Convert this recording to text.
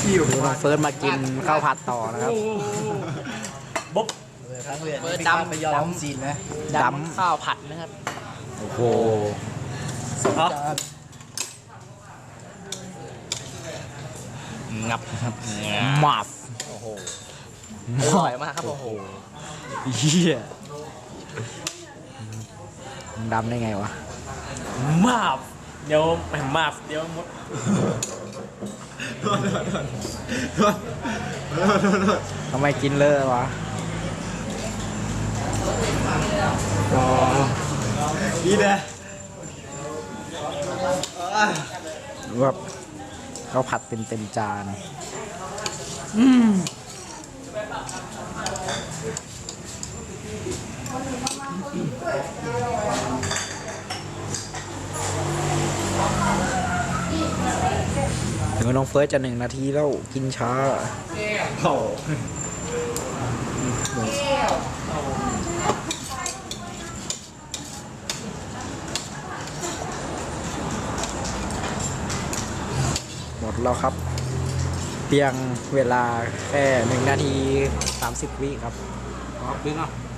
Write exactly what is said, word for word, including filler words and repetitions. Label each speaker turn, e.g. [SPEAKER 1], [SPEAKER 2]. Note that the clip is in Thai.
[SPEAKER 1] ดูน้องเฟิร์สมากินข้าวผัดต่อนะครับ
[SPEAKER 2] บ๊บ
[SPEAKER 3] ครั้งเรียน
[SPEAKER 2] เปิด
[SPEAKER 3] ไม่
[SPEAKER 2] ดำ
[SPEAKER 3] ดำไปยอมจีนนะ
[SPEAKER 1] ดำ
[SPEAKER 2] ดำข้าวผัดนะครับ
[SPEAKER 1] โอ้โห
[SPEAKER 3] สองจาน
[SPEAKER 2] งับ
[SPEAKER 1] หมับ
[SPEAKER 2] โอ้โหอร่อยมากครับโอ้โห
[SPEAKER 1] เหี้ยมันดำได้ไงวะ
[SPEAKER 2] มาบเดี๋ยวแหมมาบเดี๋ยวมด
[SPEAKER 1] ทำไมกินเลอะวะ
[SPEAKER 3] อ๋อนี่นะ
[SPEAKER 1] แบบข้าวผัดเต็มเต็มๆจานถึงน้องเฟิร์สจะหนึ่งนาทีแล้วกินช้า
[SPEAKER 3] โอ้
[SPEAKER 1] หมดแล้วครับ เพียงเวลาแค่หนึ่งนาทีสามสิบวิครับ
[SPEAKER 3] บิ๊กอ่ะ